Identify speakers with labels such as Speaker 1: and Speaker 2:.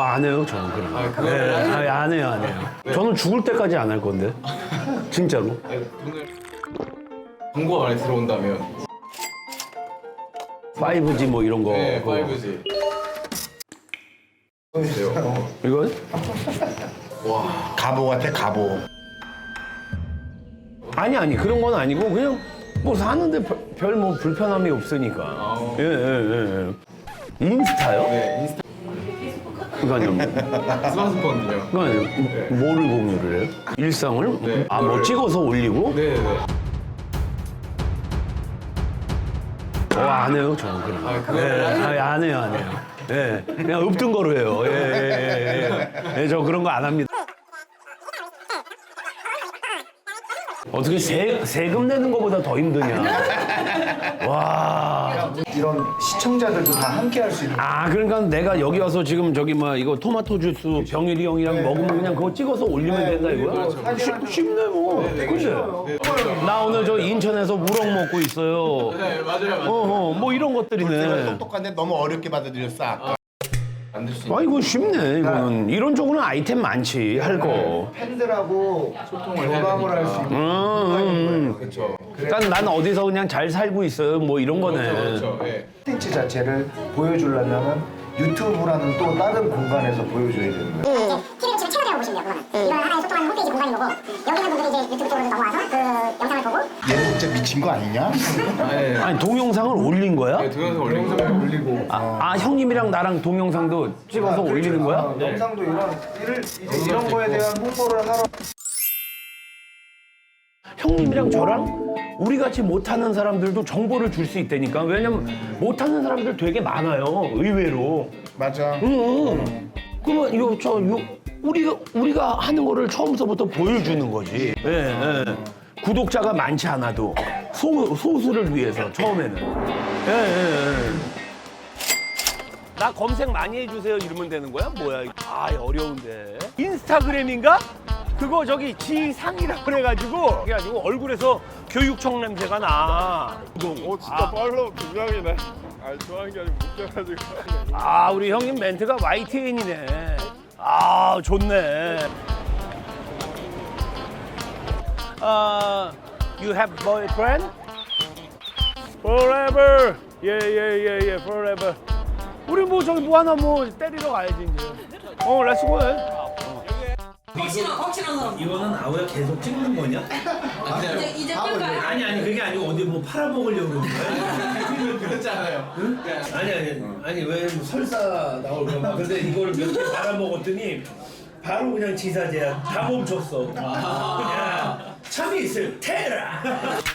Speaker 1: 안 해요, 저는 그런 거.
Speaker 2: 그거
Speaker 1: 네, 안 해요, 안 해요. 저는 죽을 때까지 안 할 건데. 진짜로.
Speaker 2: 오늘 광고 안에 들어온다면
Speaker 1: 5G 뭐 이런 거.
Speaker 2: 네,
Speaker 1: 그거.
Speaker 2: 5G. 보세요.
Speaker 1: 이건?
Speaker 3: 가보 같아, 가보.
Speaker 1: 아니, 그런 건 아니고, 그냥 뭐 사는데 별 뭐 불편함이 없으니까. 예. 인스타요?
Speaker 2: 네, 인스타
Speaker 1: 그거 아니요.
Speaker 2: 스마트폰이요.
Speaker 1: 그거 아니요. 뭐를 공유를 해요? 일상을?
Speaker 2: 네.
Speaker 1: 아, 뭐 찍어서 올리고?
Speaker 2: 네네네.
Speaker 1: 안 해요, 저는 그런 거.
Speaker 2: 그거
Speaker 1: 안 해요, 안 해요. 예, 그냥 없던 거로 해요. 예, 저 그런 거 안 합니다. 어떻게 세금 내는 것보다 더 힘드냐? 와.
Speaker 3: 이런 시청자들도 다 함께 할 수 있는.
Speaker 1: 아, 그러니까 내가 여기 와서 지금 저기 뭐 이거 토마토 주스 병일이 형이랑 먹으면 그냥 그거 찍어서 올리면 된다 이거야? 쉽네 뭐. 그치? 나 오늘 저 인천에서 우럭 먹고 있어요.
Speaker 2: 네, 맞아요.
Speaker 1: 뭐 이런 것들이네.
Speaker 3: 똑똑한데 너무 어렵게 받아들였어, 아까.
Speaker 2: 만들 수 있는.
Speaker 1: 아, 이거 쉽네, 이거는. 이런 쪽으로는 아이템 많지, 할 거.
Speaker 3: 팬들하고
Speaker 2: 소통을 해야
Speaker 3: 교감을 할 수 있는.
Speaker 2: 그렇죠.
Speaker 1: 그러니까 난 어디서 그냥 잘 살고 있어요, 뭐 이런 거네.
Speaker 2: 그렇죠. 네.
Speaker 3: 콘텐츠 자체를 보여주려면 유튜브라는 또 다른 공간에서 보여줘야 되는 거예요.
Speaker 4: TV를 지금 채널이라고 보시면 돼요, 그거는. 이건 하나의 소통하는 홈페이지 공간인 거고, 여기 있는 분들이 이제 유튜브 쪽으로 넘어와서 그 영상을 보고,
Speaker 3: 얘는 진짜 미친 거 아니냐?
Speaker 1: 아니, 동영상을 올린 거야?
Speaker 2: 네, 동영상 올린 거예요. 올리고.
Speaker 1: 형님이랑 나랑 동영상도 찍어서 올리는 거야?
Speaker 3: 영상도 이런 거에 대한 홍보를 하러.
Speaker 1: 형님이랑 저랑 우리 같이 못하는 사람들도 정보를 줄 수 있다니까. 왜냐면 못하는 사람들 되게 많아요, 의외로.
Speaker 3: 맞아.
Speaker 1: 그러면 우리가 하는 거를 처음서부터 보여주는 거지. 예. 구독자가 많지 않아도 소수를 위해서 처음에는. 예. 나 검색 많이 해주세요 이러면 되는 거야? 뭐야? 아, 어려운데. 인스타그램인가? 그거 저기 지상이라고 그래가지고 얼굴에서 교육청 냄새가 나.
Speaker 5: 진짜 팔로우 두 명이네. 아니 좋아하는 게 아니고 웃겨가지고.
Speaker 1: 아, 우리 형님 멘트가 YTN이네. 아, 좋네. You have boyfriend? Forever. 예, forever. 우리 뭐 저기 뭐 하나 뭐 때리러 가야지 이제. 렛츠고 해.
Speaker 6: 확실한 사람.
Speaker 7: 이거는 아우야 계속 찍는 거냐?
Speaker 6: 이제 끌까요?
Speaker 7: 아니 그게 아니고 어디 뭐 팔아먹으려고 그런 거야?
Speaker 2: 그렇잖아요. 응?
Speaker 7: 아니 왜 설사 나올까 봐. 근데 이거를 몇 개 팔아먹었더니 바로 그냥 지사제야. 다 멈췄어. 그냥 참이 있을 테라.